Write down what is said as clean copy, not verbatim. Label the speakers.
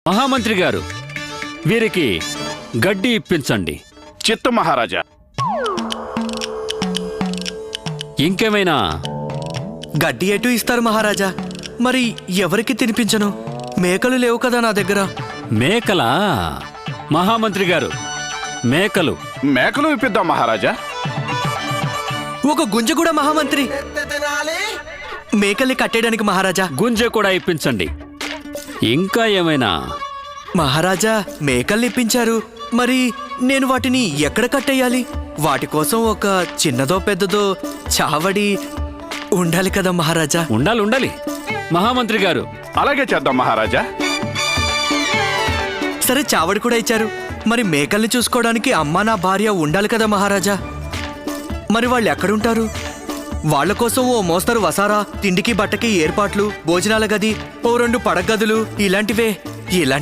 Speaker 1: మహామంత్రి గారు, వీరికి గడ్డి ఇప్పించండి.
Speaker 2: చిత్తం మహారాజా.
Speaker 1: ఇంకేమైనా?
Speaker 3: గడ్డి ఎటు ఇస్తారు మహారాజా? మరి ఎవరికి తినిపించను? మేకలు లేవు కదా నా దగ్గర.
Speaker 1: మేకలా? మహామంత్రి గారు, మేకలు
Speaker 2: మేకలు ఇప్పిద్దాం మహారాజా.
Speaker 3: ఒక గుంజ కూడా మహామంత్రి. మేకల్ని కట్టేయడానికి మహారాజా.
Speaker 1: గుంజ కూడా ఇప్పించండి. ఇంకా ఏమైనా?
Speaker 3: మహారాజా, మేకల్ని ఇప్పించారు, మరి నేను వాటిని ఎక్కడ కట్టేయాలి? వాటి కోసం ఒక చిన్నదో పెద్దదో చావడి ఉండాలి కదా మహారాజా.
Speaker 1: ఉండాలి. మహామంత్రి గారు,
Speaker 2: అలాగే చేద్దాం మహారాజా.
Speaker 3: సరే, చావడి కూడా ఇచ్చారు, మరి మేకల్ని చూసుకోవడానికి అమ్మా నా భార్య ఉండాలి కదా మహారాజా. మరి వాళ్ళు ఎక్కడుంటారు? వాళ్ల కోసం ఓ మోస్తరు వసారా, తిండికి బట్టకి ఏర్పాట్లు, భోజనాల గది, ఓ 2 పడగదులు ఇలాంటివే.